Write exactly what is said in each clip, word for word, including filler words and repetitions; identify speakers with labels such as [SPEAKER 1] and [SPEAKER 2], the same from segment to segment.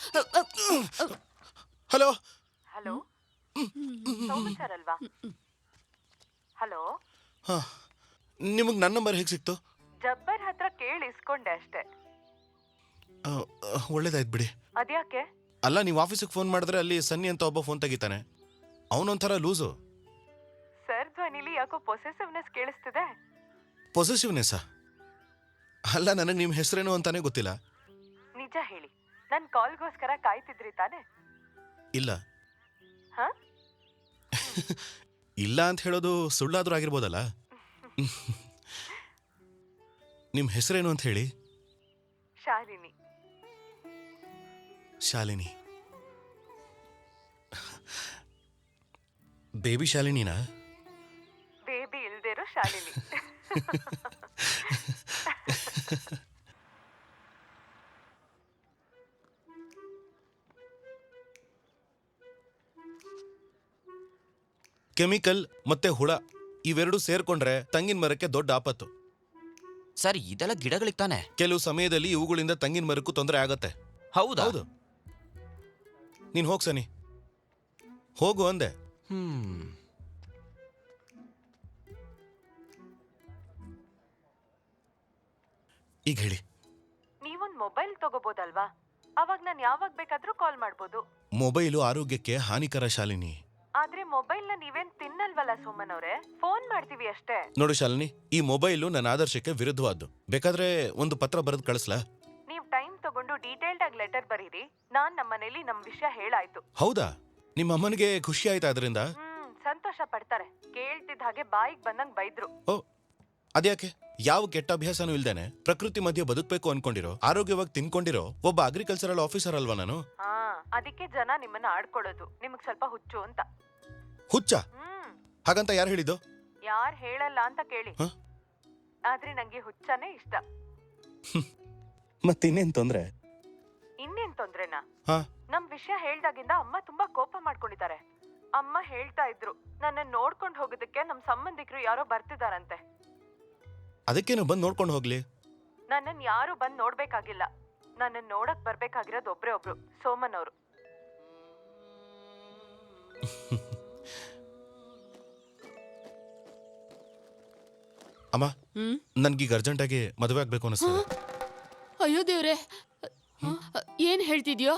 [SPEAKER 1] Hello
[SPEAKER 2] hello Soman sir ಅಲ್ವಾ? Hello.
[SPEAKER 1] ಹಾ, ನಿಮಗೆ ನನ್ನ ನಂಬರ್ ಹೇಗೆ ಸಿಕ್ತು?
[SPEAKER 2] ಜಬ್ಬರ್ ಹತ್ರ ಕೇಳಿ ಇಸ್ಕೊಂಡೆ ಅಷ್ಟೇ.
[SPEAKER 1] ಒಳ್ಳೇದಾಯ್ತು ಬಿಡಿ.
[SPEAKER 2] ಅದ್ಯಾಕೆ?
[SPEAKER 1] ಅಲ್ಲ, ನೀವು ಆಫೀಸಿಗೆ ಫೋನ್ ಮಾಡಿದ್ರೆ ಅಲ್ಲಿ ಸನ್ನಿ ಅಂತ ಒಬ್ಬ ಫೋನ್ ತೆಗಿತಾನೆ. ಅವನೊಂಥರ ಲೂಸು.
[SPEAKER 2] ಸರ್ ಧ್ವನಿಲಿ ಯಾಕೋ ಪೊಸೆಸಿವ್ನೆಸ್ ಕೇಳಿಸ್ತಿದೆ.
[SPEAKER 1] ಪೊಸೆಸಿವ್ನೆಸ್ಸಾ? ಅಲ್ಲ, ನನಗೆ ನಿಮ್ಮ ಹೆಸರೇನು ಅಂತಾನೆ ಗೊತ್ತಿಲ್ಲ.
[SPEAKER 2] ನಿಜ ಹೇಳಿ, ನನ್ನ ಕಾಲ್ಗೋಸ್ಕರ ಕಾಯ್ತಿದ್ರಿ ತಾನೆ?
[SPEAKER 1] ಇಲ್ಲ.
[SPEAKER 2] ಹಾ?
[SPEAKER 1] ಇಲ್ಲ ಅಂತ ಹೇಳೋದು ಸುಳ್ಳಾದ್ರೂ ಆಗಿರ್ಬೋದಲ್ಲ. ನಿಮ್ಮ ಹೆಸರೇನು ಅಂತ ಹೇಳಿ.
[SPEAKER 2] ಶಾಲಿನಿ.
[SPEAKER 1] ಶಾಲಿನಿ? ಬೇಬಿ ಶಾಲಿನಿನಾ?
[SPEAKER 2] ಬೇಬಿ ಇಲ್ದಿರೋ ಶಾಲಿನಿ.
[SPEAKER 1] ಕೆಮಿಕಲ್ ಮತ್ತೆ ಹುಳ ಇವೆರಡು ಸೇರ್ಕೊಂಡ್ರೆ ತಂಗಿನ ಮರಕ್ಕೆ ದೊಡ್ಡ ಆಪತ್ತು.
[SPEAKER 3] ಸರ್, ಇದೆಲ್ಲ ಗಿಡಗಳಿಗೆ ತಾನೆ?
[SPEAKER 1] ಕೆಲವು ಸಮಯದಲ್ಲಿ ಇವುಗಳಿಂದ ತಂಗಿನ ಮರಕ್ಕೂ ತೊಂದರೆ ಆಗತ್ತೆ.
[SPEAKER 3] ಹೌದಾ?
[SPEAKER 1] ಹೌದು. ನೀನ್ ಹೋಗ್ ಸನಿ, ಹೋಗು ಅಂದೆ.
[SPEAKER 3] ಹ್ಮ್
[SPEAKER 1] ಈಗ ಹೇಳಿ.
[SPEAKER 2] ನೀವೊಂದ್ ಮೊಬೈಲ್ ತಗೋಬೋದಲ್ವಾ? ಅವಾಗ ನಾನು ಯಾವಾಗ ಬೇಕಾದ್ರೂ ಕಾಲ್ ಮಾಡ್ಬೋದು.
[SPEAKER 1] ಮೊಬೈಲು ಆರೋಗ್ಯಕ್ಕೆ ಹಾನಿಕರ ಶಾಲಿನಿ.
[SPEAKER 2] ಆದ್ರೆ ಮೊಬೈಲ್ ನ ನೀವೇನ್ ತಿನ್ನಲ್ವಲ್ಲ ಸೋಮನ್ ಅವ್ರೆ, ಫೋನ್ ಮಾಡ್ತೀವಿ ಅಷ್ಟೇ.
[SPEAKER 1] ನೋಡು ಶಾಲಿನಿ, ಈ ಮೊಬೈಲು ನನ್ನ ಆದರ್ಶಕ್ಕೆ ವಿರುದ್ಧವಾದ್ದು. ಬೇಕಾದ್ರೆ ಒಂದು ಪತ್ರ ಬರೆದು ಕಳಿಸ್ಲಾ?
[SPEAKER 2] ನೀವ್ ಟೈಮ್ ತಗೊಂಡು ಡೀಟೇಲ್ಡ್ ಆಗಿ ಲೆಟರ್ ಬರೀರಿ. ನಾನ್ ನಮ್ಮನೇಲಿ ನಮ್ ವಿಷಯ ಹೇಳಾಯ್ತು.
[SPEAKER 1] ಹೌದಾ? ನಿಮ್ಮ ಅಮ್ಮನಿಗೆ ಖುಷಿ ಆಯ್ತಾ ಅದರಿಂದ?
[SPEAKER 2] ಹ್ಮ್ ಸಂತೋಷ ಪಡ್ತಾರೆ. ಕೇಳ್ತಿದ್ದ ಹಾಗೆ ಬಾಯಿಗೆ ಬಂದಂಗ್ ಬೈದ್ರು.
[SPEAKER 1] ಓ, ಅದ್ಯಾಕೆ? ಯಾವ ಕೆಟ್ಟ ಅಭ್ಯಾಸನೂ ಇಲ್ದೇನೆ ಪ್ರಕೃತಿ ಮಧ್ಯೆ ಬದುಕಬೇಕು ಅನ್ಕೊಂಡಿರೋ, ಆರೋಗ್ಯವಾಗಿ ತಿನ್ಕೊಂಡಿರೋ ಒಬ್ಬ ಅಗ್ರಿಕಲ್ಚರಲ್ ಆಫೀಸರ್ ಅಲ್ವಾ ನಾನು?
[SPEAKER 2] ಹಾ, ಅದಕ್ಕೆ ಜನ ನಿಮ್ಮನ್ನ ಆಡ್ಕೊಳ್ಳೋದು. ನಿಮಗ್ ಸ್ವಲ್ಪ ಹುಚ್ಚು ಅಂತ.
[SPEAKER 1] ಹುಚ್ಚ?
[SPEAKER 2] ಹ್ಮ್
[SPEAKER 1] ಹಾಗಂತ ಯಾರು ಹೇಳಿದ್ದು?
[SPEAKER 2] ಯಾರ್ ಹೇಳಲ್ಲ ಅಂತ ಕೇಳಿ.
[SPEAKER 1] ಹ?
[SPEAKER 2] ಆದ್ರೆ ನಂಗೆ ಹುಚ್ಚನೇ ಇಷ್ಟ.
[SPEAKER 1] ಮತ್ತಿನ್ನೇನ್ ತೊಂದ್ರೆ?
[SPEAKER 2] ಇನ್ನೇನ್ ತೊಂದ್ರೆನಾ?
[SPEAKER 1] ಹಾ,
[SPEAKER 2] ನಮ್ ವಿಷಯ ಹೇಳ್ದಾಗಿಂದ ಅಮ್ಮ ತುಂಬಾ ಕೋಪ ಮಾಡ್ಕೊಂಡಿದ್ದಾರೆ. ಅಮ್ಮ ಹೇಳ್ತಾ ಇದ್ರು, ನನ್ನ ನೋಡ್ಕೊಂಡ್ ಹೋಗೋದಕ್ಕೆ ನಮ್ ಸಂಬಂಧಿಕರು ಯಾರೋ ಬರ್ತಿದಾರಂತೆ.
[SPEAKER 1] ಅದಕ್ಕೇನು ಬಂದು ನೋಡ್ಕೊಂಡು ಹೋಗ್ಲಿ.
[SPEAKER 2] ನನ್ನನ್ ಯಾರು ಬಂದ್ ನೋಡ್ಬೇಕಾಗಿಲ್ಲ. ನನ್ನನ್ ನೋಡಕ್ ಬರ್ಬೇಕಾಗಿರೋದು ಒಬ್ರೇ ಒಬ್ರು, ಸೋಮನ್ ಅವರು.
[SPEAKER 1] ಅಮ್ಮ, ನನ್ಗೀಗ ಅರ್ಜೆಂಟಾಗಿ ಮದುವೆ ಆಗ್ಬೇಕು ಅನಿಸ್ತದೆ.
[SPEAKER 4] ಅಯ್ಯೋ ದೇವ್ರೆ, ಏನ್ ಹೇಳ್ತಿದ್ಯೋ?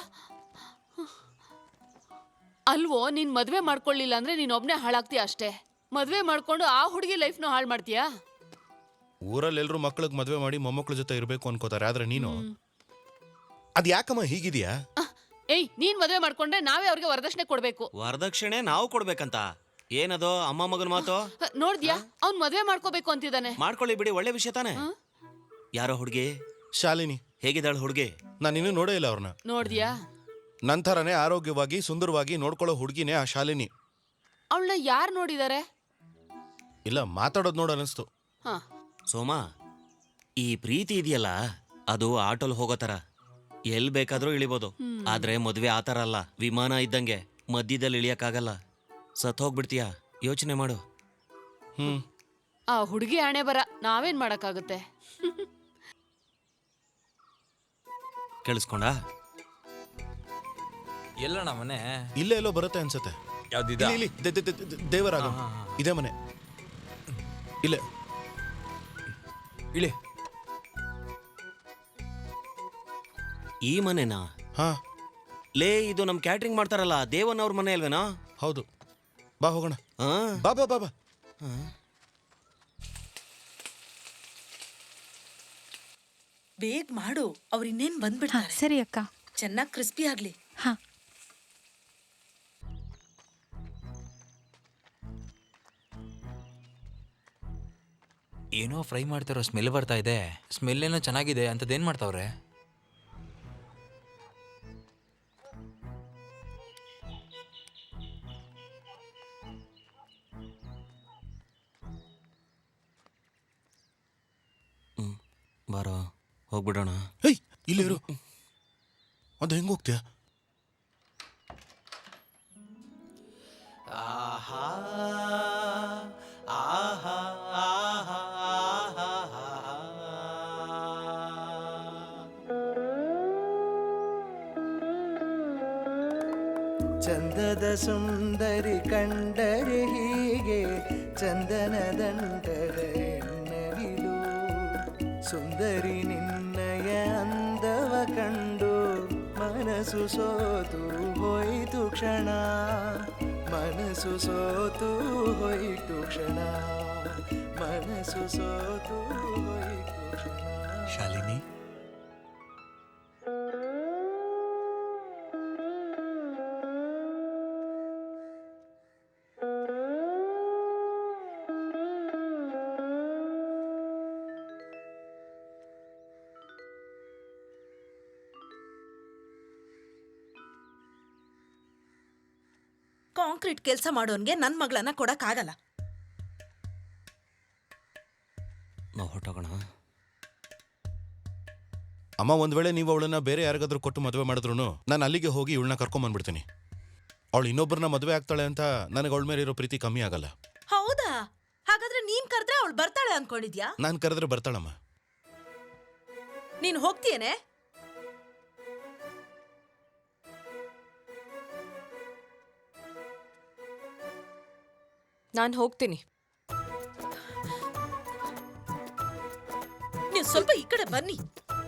[SPEAKER 4] ಅಲ್ವೋ, ನೀನ್ ಮದ್ವೆ ಮಾಡ್ಕೊಳ್ಳಿಲ್ಲ ಅಂದ್ರೆ ನೀನ್ ಒಬ್ನೇ ಹಾಳಾಗ್ತೀಯ ಅಷ್ಟೇ. ಮದ್ವೆ ಮಾಡ್ಕೊಂಡು ಆ ಹುಡುಗಿ ಲೈಫ್ನು ಹಾಳು ಮಾಡ್ತೀಯಾ?
[SPEAKER 1] ಊರಲ್ಲಿ ಎಲ್ರು ಮಕ್ಳಿಗೆ ಮದುವೆ ಮಾಡಿ ಮೊಮ್ಮಕ್ಳ ಜೊತೆ ಇರ್ಬೇಕು ಅನ್ಕೋತಾರೆ, ಆದ್ರೆ ನೀನು ಅದ್ ಯಾಕಮ್ಮ ಹೀಗಿದ್ಯಾ?
[SPEAKER 4] ಏಯ್, ನೀನ್ ಮದ್ವೆ ಮಾಡ್ಕೊಂಡ್ರೆ ನಾವೇ ಅವ್ರಿಗೆ ವರದಕ್ಷಿಣೆ ಕೊಡ್ಬೇಕು.
[SPEAKER 3] ವರದಕ್ಷಿಣೆ ನಾವು ಕೊಡ್ಬೇಕಂತ? ಏನದು ಅಮ್ಮ ಮಗನ ಮಾತು?
[SPEAKER 4] ನೋಡ್ದ್ಯಾ, ಅವ್ನ್ ಮದ್ವೆ ಮಾಡ್ಕೋಬೇಕು ಅಂತಿದ್ದಾನೆ.
[SPEAKER 3] ಮಾಡ್ಕೊಳ್ಳಿ ಬಿಡಿ, ಒಳ್ಳೆ ವಿಷಯ ತಾನೆ. ಯಾರೋ ಹುಡುಗಿ?
[SPEAKER 1] ಶಾಲಿನಿ.
[SPEAKER 3] ಹೇಗಿದ್ದಾಳು ಹುಡುಗಿ?
[SPEAKER 1] ನಾನು ಇನ್ನೂ ನೋಡೇ ಇಲ್ಲ ಅವ್ರನ್ನ.
[SPEAKER 4] ನೋಡ್ದ್ಯಾ?
[SPEAKER 1] ನಂತರನೇ ಆರೋಗ್ಯವಾಗಿ ಸುಂದರವಾಗಿ ನೋಡ್ಕೊಳ್ಳೋ ಹುಡುಗಿನೇ ಆ ಶಾಲಿನಿ.
[SPEAKER 4] ಅವಳನ್ನ ಯಾರು ನೋಡಿದಾರೆ?
[SPEAKER 1] ಇಲ್ಲ, ಮಾತಾಡೋದು ನೋಡ ಅನಿಸ್ತು.
[SPEAKER 4] ಹಾ,
[SPEAKER 3] ಸೋಮ, ಈ ಪ್ರೀತಿ ಇದೆಯಲ್ಲ, ಅದು ಆಟೋಲ್ ಹೋಗೋ ತರ. ಎಲ್ ಬೇಕಾದ್ರೂ ಇಳಿಬೋದು. ಆದ್ರೆ ಮದ್ವೆ ಆತರ ಅಲ್ಲ, ವಿಮಾನ ಇದ್ದಂಗೆ ಮಧ್ಯದಲ್ಲಿ ಇಳಿಯಕ್ಕಾಗಲ್ಲ. ಸತ್ ಹೋಗ್ಬಿಡ್ತೀಯ. ಯೋಚನೆ ಮಾಡು.
[SPEAKER 1] ಹ್ಮ್
[SPEAKER 4] ಆ ಹುಡುಗಿ ಹಣೆ ಬರ, ನಾವೇನ್ ಮಾಡಕ್ಕಾಗುತ್ತೆ?
[SPEAKER 3] ಕೇಳಿಸ್ಕೊಂಡ?
[SPEAKER 5] ಎಲ್ಲಣ್ಣ ಮನೆ?
[SPEAKER 1] ಇಲ್ಲೇ ಎಲ್ಲೋ ಬರುತ್ತೆ ಅನ್ಸತ್ತೆ.
[SPEAKER 5] ಯಾವ್ದಿದ?
[SPEAKER 1] ಇಲ್ಲಿ, ಇಲ್ಲಿ, ದೆ- ದೆ- ದೆ- ದೆ- ದೇವರಾಗ ಇದೇ ಮನೆ. ಇಲ್ಲೇ
[SPEAKER 5] ಇಳಿ.
[SPEAKER 3] ಈ ಮನೆನಾ?
[SPEAKER 1] ಹಾ,
[SPEAKER 3] ಲೇ, ಇದು ನಮ್ ಕ್ಯಾಟ್ರಿಂಗ್ ಮಾಡ್ತಾರಲ್ಲ ದೇವನ್ ಅವ್ರ ಮನೆ ಅಲ್ವೇನಾ?
[SPEAKER 1] ಹೌದು. ಬಾ ಹೋಗೋಣ.
[SPEAKER 3] ಆ?
[SPEAKER 1] ಬಾ ಬಾ ಬಾ ಬಾ.
[SPEAKER 6] ಬೇಗ ಮಾಡು, ಅವ್ರು ಇನ್ನೇನ್ ಬಂದ್ಬಿಡ್ತಾರೆ.
[SPEAKER 7] ಸರಿ ಅಕ್ಕ.
[SPEAKER 6] ಚೆನ್ನಾಗಿ ಕ್ರಿಸ್ಪಿ ಆಗ್ಲಿ.
[SPEAKER 7] ಹಾ,
[SPEAKER 5] ಏನೋ ಫ್ರೈ ಮಾಡ್ತಾರೋ ಸ್ಮೆಲ್ ಬರ್ತಾ ಇದೆ. ಸ್ಮೆಲ್ ಏನೋ ಚೆನ್ನಾಗಿದೆ. ಅಂತದೇನ್ ಮಾಡ್ತಾವ್ರೆ?
[SPEAKER 3] ಹ್ಮ್ ಬಾರೋ, ಹೋಗ್ಬಿಡೋಣ.
[SPEAKER 1] ಹೇಯ್, ಇಲ್ಲಿ ಇರು. ಅದು ಹೆಂಗ್ ಹೋಗ್ತೀಯ?
[SPEAKER 3] ಆಹಾ ಆಹಾ ಆಹಾ ಆಹಾ
[SPEAKER 7] ಚಂದದ ಸುಂದರಿ ಕಂಡರೆ ಹೀಗೆ ಚಂದನ ದಂಡದ ಎನ್ನವಿಲು ಸುಂದರಿ ನಿನ್ನಯ ಅಂದವ ಕಂಡು ಮನಸ್ಸು ಸೋತು ಹೋಯಿತು ಕ್ಷಣ ಮನಸ್ಸು ಸೋತು ಹೋಯಿತು ಕ್ಷಣ ಮನಸ್ಸು ಸೋತು ಹೋಯಿತು ಕ್ಷಣ.
[SPEAKER 8] ಶಾಲಿನಿ,
[SPEAKER 6] ಕಾಂಕ್ರೀಟ್ ಕೆಲಸ ಮಾಡೋನ್ಗೆ ನನ್ ಮಗಳನ್ನ ಕೊಡಕ್ ಆಗಲ್ಲ.
[SPEAKER 3] ನಾವು ಹೊಟ್ಟೋಗೋಣ.
[SPEAKER 1] ಅಮ್ಮ, ಒಂದ್ ವೇಳೆ ನೀವು ಅವಳನ್ನ ಬೇರೆ ಯಾರಿಗಾದ್ರೂ ಕೊಟ್ಟು ಮದುವೆ ಮಾಡಿದ್ರು ನಾನು ಅಲ್ಲಿಗೆ ಹೋಗಿ ಇವಳನ್ನ ಕರ್ಕೊಂಡ್ ಬಂದ್ಬಿಡ್ತೀನಿ. ಅವಳು ಇನ್ನೊಬ್ಬರನ್ನ ಮದುವೆ ಆಗ್ತಾಳೆ ಅಂತ ನನಗೆ ಅವಳ ಮೇಲೆ ಇರೋ ಪ್ರೀತಿ ಕಮ್ಮಿ ಆಗಲ್ಲ.
[SPEAKER 6] ಹೌದಾ? ಹಾಗಾದ್ರೆ ನೀನ್ ಕರೆದ್ರೆ ಅವಳು ಬರ್ತಾಳೆ ಅನ್ಕೊಂಡಿದ್ಯಾ?
[SPEAKER 1] ನಾನು ಕರೆದ್ರೆ ಬರ್ತಾಳಮ್ಮ.
[SPEAKER 6] ನೀನ್ ಹೋಗ್ತೀಯೇನೆ?
[SPEAKER 2] ನಾನು ಹೋಗ್ತೀನಿ.
[SPEAKER 6] ನೀವು ಸ್ವಲ್ಪ ಈ ಕಡೆ ಬನ್ನಿ.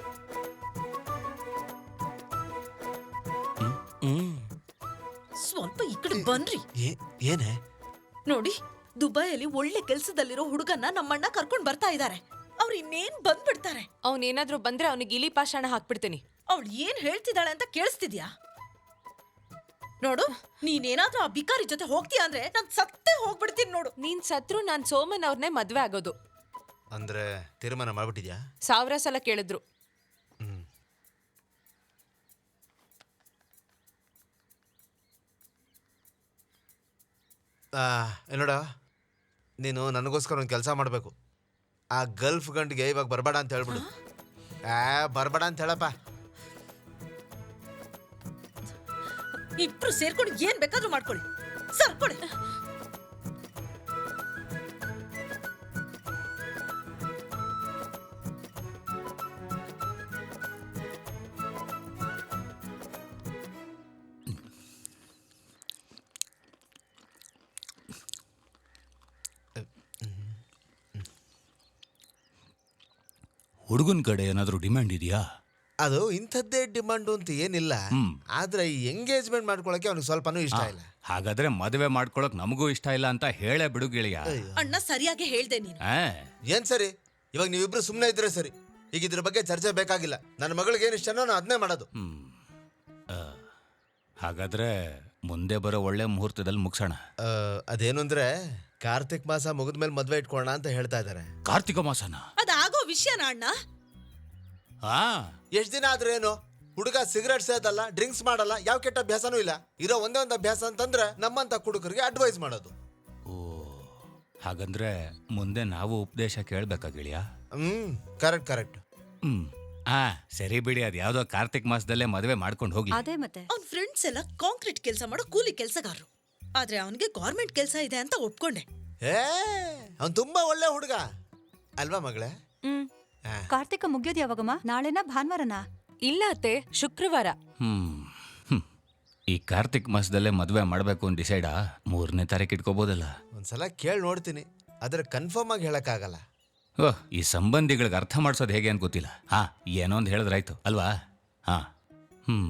[SPEAKER 3] ಹ್ಮ್
[SPEAKER 6] ಸ್ವಲ್ಪ ಈ ಕಡೆ ಬನ್ರಿ.
[SPEAKER 8] ಏನೇ?
[SPEAKER 6] ನೋಡಿ, ದುಬೈಯಲ್ಲಿ ಒಳ್ಳೆ ಕೆಲ್ಸದಲ್ಲಿರೋ ಹುಡುಗನ್ನ ನಮ್ಮಣ್ಣ ಕರ್ಕೊಂಡ್ ಬರ್ತಾ ಇದ್ದಾರೆ. ಅವ್ರು ಇನ್ನೇನ್ ಬಂದ್ಬಿಡ್ತಾರೆ.
[SPEAKER 2] ಅವನೇನಾದ್ರೂ ಬಂದ್ರೆ ಅವನಿಗೆ ಇಲಿ ಪಾಷಾಣ ಹಾಕ್ಬಿಡ್ತೀನಿ.
[SPEAKER 6] ಅವಳು ಏನ್ ಹೇಳ್ತಿದ್ದಾಳೆ ಅಂತ ಕೇಳಿಸ್ತಿದ್ಯಾ? ನೋಡು, ನೀನೇನಾದ್ರೂ ಆ ಬಿಕಾರಿ ಜೊತೆ ಹೋಗ್ತೀಯ ಅಂದ್ರೆ ನಾನ್ ಸತ್ತೇ ಹೋಗ್ಬಿಡ್ತೀನಿ ನೋಡು.
[SPEAKER 2] ನೀನ್ ಸತ್ರು ನಾನ್ ಸೋಮನ್ ಅವ್ರನ್ನೇ ಮದ್ವೆ ಆಗೋದು.
[SPEAKER 8] ಅಂದ್ರೆ ತೀರ್ಮಾನ ಮಾಡ್ಬಿಟ್ಟಿದ್ಯಾ?
[SPEAKER 2] ಸಾವಿರ ಸಲ ಕೇಳಿದ್ರು.
[SPEAKER 8] ಹ್ಮ್. ನೋಡ, ನೀನು ನನಗೋಸ್ಕರ ಒಂದು ಕೆಲಸ ಮಾಡಬೇಕು. ಆ ಗಲ್ಫ್ ಗಂಟಿಗೆ ಇವಾಗ ಬರಬೇಡ ಅಂತ ಹೇಳ್ಬಿಡು. ಆ ಬರಬೇಡ ಅಂತ ಹೇಳಪ್ಪ.
[SPEAKER 6] ಇಬ್ರು ಸೇರ್ಕೊಂಡು ಏನ್ ಬೇಕಾದ್ರೂ ಮಾಡ್ಕೊಳ್ಳಿ. ಸರ್ಕೊಳ್ಳಿ.
[SPEAKER 9] ಹುಡುಗನ ಕಡೆ ಏನಾದರೂ ಡಿಮ್ಯಾಂಡ್ ಇದೆಯಾ?
[SPEAKER 8] ಅದು ಇಂಥದ್ದೇ ಡಿಮಾಂಡು ಅಂತ ಏನಿಲ್ಲ. ಆದ್ರೆ ಈ ಎಂಗೇಜ್ಮೆಂಟ್ ಮಾಡ್ಕೊಳಕ್ಕೆ ಅವ್ನಿಗೆ ಸ್ವಲ್ಪನೂ ಇಷ್ಟ ಇಲ್ಲ.
[SPEAKER 9] ಹಾಗಾದ್ರೆ ಮದುವೆ ಮಾಡ್ಕೊಳಕ್ ನಮಗೂ ಇಷ್ಟ ಇಲ್ಲ ಅಂತ ಹೇಳೇ ಬಿಡು ಗೆಳೆಯ.
[SPEAKER 6] ಅಣ್ಣ ಸರಿಯಾಗಿ ಹೇಳ್ದೆ ನೀನು.
[SPEAKER 9] ಆ,
[SPEAKER 8] ಏನ್ ಸರಿ? ಇವಾಗ ನೀವಿಬ್ರು ಸುಮ್ಮನೆ ಇದ್ರೆ ಸರಿ. ಈಗ ಇದ್ರ ಬಗ್ಗೆ ಚರ್ಚೆ ಬೇಕಾಗಿಲ್ಲ. ನನ್ನ ಮಗಳಿಗೆ ಏನ್ ಇಷ್ಟನೋ ನಾನು ಅದನ್ನೇ ಮಾಡೋದು.
[SPEAKER 9] ಹ್ಮ್. ಆ, ಹಾಗಾದ್ರೆ ಮುಂದೆ ಬರೋ ಒಳ್ಳೆ ಮುಹೂರ್ತದಲ್ಲಿ ಮುಗಿಸೋಣ.
[SPEAKER 8] ಆ, ಅದೇನು ಅಂದ್ರೆ ಕಾರ್ತಿಕ್ ಮಾಸ ಮುಗಿದ್ಮೇಲೆ ಮದ್ವೆ ಇಟ್ಕೊಳ್ಳೋಣ ಅಂತ ಹೇಳ್ತಾ ಇದಾರೆ.
[SPEAKER 9] ಕಾರ್ತಿಕ ಮಾಸನ?
[SPEAKER 6] ಅದಾಗೋ ವಿಷಯನ ಅಣ್ಣ?
[SPEAKER 9] ಹಾ.
[SPEAKER 8] ಎಷ್ಟ್ ದಿನ ಆದ್ರೆ ಏನು? ಹುಡುಗ ಸಿಗರೇಟ್ ಸೇದಲ್ಲ, ಡ್ರಿಂಕ್ಸ್ ಮಾಡಲ್ಲ, ಯಾವ ಕೆಟ್ಟ ಅಭ್ಯಾಸನೂ ಇಲ್ಲ. ಇರೋ ಒಂದೇ ಒಂದು ಅಭ್ಯಾಸ ಅಂತಂದ್ರೆ ನಮ್ಮಂತ ಹುಡುಗರಿಗೆ ಅಡ್ವೈಸ್ ಮಾಡೋದು.
[SPEAKER 9] ಓ, ಹಾಗಂದ್ರೆ ಮುಂದೆ ನಾವು ಉಪದೇಶ ಕೇಳ್ಬೇಕಾ ಗೆಳೆಯ?
[SPEAKER 8] ಹ್ಮ್, ಕರೆಕ್ಟ್ ಕರೆಕ್ಟ್.
[SPEAKER 9] ಹ್ಮ್. ಆ ಸರಿ ಬಿಡಿ, ಅದ್ ಯಾವ್ದೋ ಕಾರ್ತಿಕ್ ಮಾಸದಲ್ಲೇ ಮದುವೆ ಮಾಡ್ಕೊಂಡು ಹೋಗಿ.
[SPEAKER 6] ಅದೇ ಮತ್ತೆ ಅವ್ನ ಫ್ರೆಂಡ್ಸ್ ಎಲ್ಲ ಕಾಂಕ್ರೀಟ್ ಕೆಲಸ ಮಾಡೋ ಕೂಲಿ ಕೆಲಸಗಾರರು. ಆದ್ರೆ ಅವನಿಗೆ ಗೌರ್ಮೆಂಟ್ ಕೆಲಸ ಇದೆ ಅಂತ ಒಪ್ಕೊಂಡೆ.
[SPEAKER 8] ಏ ಅವ್ನು ತುಂಬಾ ಒಳ್ಳೆ ಹುಡುಗ ಅಲ್ವಾ ಮಗಳೇ?
[SPEAKER 10] ಹ್ಮ್. ಕಾರ್ತಿಕ ಮುಗಿಯೋದು ಯಾವಾಗಮ್ಮ? ನಾಳೆನಾ ಭಾನುವಾರನಾ?
[SPEAKER 2] ಇಲ್ಲ ಅತ್ತೆ, ಶುಕ್ರವಾರ.
[SPEAKER 9] ಹ್ಮ್ ಹ್ಮ್. ಈ ಕಾರ್ತಿಕ್ ಮಾಸದಲ್ಲೇ ಮದುವೆ ಮಾಡ್ಬೇಕು ಅಂತ ಡಿಸೈಡಾ? ಮೂರನೇ ತಾರೀಕು ಇಟ್ಕೋಬೋದಲ್ಲ?
[SPEAKER 8] ಒಂದ್ಸಲ ಕೇಳಿ ನೋಡ್ತೀನಿ, ಆದ್ರೆ ಕನ್ಫರ್ಮ್ ಆಗಿ ಹೇಳಕ್ಕಾಗಲ್ಲ.
[SPEAKER 9] ಓಹ್, ಈ ಸಂಬಂಧಿಗಳಿಗೆ ಅರ್ಥ ಮಾಡ್ಸೋದು ಹೇಗೆ ಅಂತ ಗೊತ್ತಿಲ್ಲ. ಹಾ, ಏನೋ ಒಂದು ಹೇಳಿದ್ರಾಯ್ತು ಅಲ್ವಾ? ಹಾ. ಹ್ಮ್.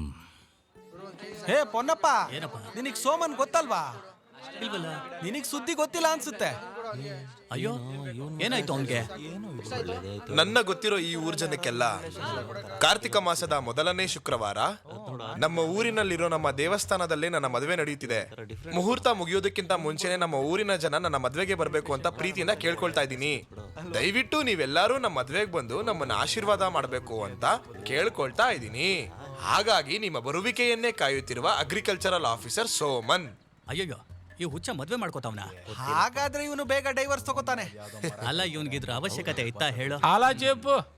[SPEAKER 11] ಹೇ ಪೊನ್ನಪ್ಪ, ನಿನಗ್ ಸೋಮನ್ ಗೊತ್ತಲ್ವಾ? ಇಲ್ವಲ್ಲ, ನಿನಗ್ ಸುದ್ದಿ ಗೊತ್ತಿಲ್ಲ ಅನ್ಸುತ್ತೆ.
[SPEAKER 5] ಅಯ್ಯೋ, ಏನಾಯ್ತು ಅವನ್ಗೆ?
[SPEAKER 12] ನನ್ನ ಗೊತ್ತಿರೋ ಈ ಊರ್ ಜನಕ್ಕೆಲ್ಲ ಕಾರ್ತಿಕ ಮಾಸದ ಮೊದಲನೇ ಶುಕ್ರವಾರ ನಮ್ಮ ಊರಿನಲ್ಲಿರೋ ನಮ್ಮ ದೇವಸ್ಥಾನದಲ್ಲೇ ನನ್ನ ಮದುವೆ ನಡೆಯುತ್ತಿದೆ. ಮುಹೂರ್ತ ಮುಗಿಯೋದಕ್ಕಿಂತ ಮುಂಚೆನೆ ನಮ್ಮ ಊರಿನ ಜನ ನನ್ನ ಮದ್ವೆಗೆ ಬರಬೇಕು ಅಂತ ಪ್ರೀತಿಯಿಂದ ಕೇಳ್ಕೊಳ್ತಾ ಇದ್ದೀನಿ. ದಯವಿಟ್ಟು ನೀವೆಲ್ಲರೂ ನಮ್ಮ ಮದ್ವೆಗೆ ಬಂದು ನಮ್ಮನ್ನ ಆಶೀರ್ವಾದ ಮಾಡಬೇಕು ಅಂತ ಕೇಳ್ಕೊಳ್ತಾ ಇದ್ದೀನಿ. ಹಾಗಾಗಿ ನಿಮ್ಮ ಬರುವಿಕೆಯನ್ನೇ ಕಾಯುತ್ತಿರುವ ಅಗ್ರಿಕಲ್ಚರಲ್ ಆಫೀಸರ್ ಸೋಮನ್.
[SPEAKER 5] ಅಯ್ಯಯ್ಯೋ, ಈ ಹುಚ್ಚ ಮದ್ವೆ ಮಾಡ್ಕೋತಾವನ?
[SPEAKER 11] ಹಾಗಾದ್ರೆ ಇವನು ಬೇಗ ಡೈವರ್ಸ್ ತಗೋತಾನೆ.
[SPEAKER 5] ಅಲ್ಲ, ಇವನ್ಗಿದ್ರ ಅವಶ್ಯಕತೆ ಇತ್ತಾ ಹೇಳು?
[SPEAKER 11] ಅಲ್ಲ ಜೇಪು,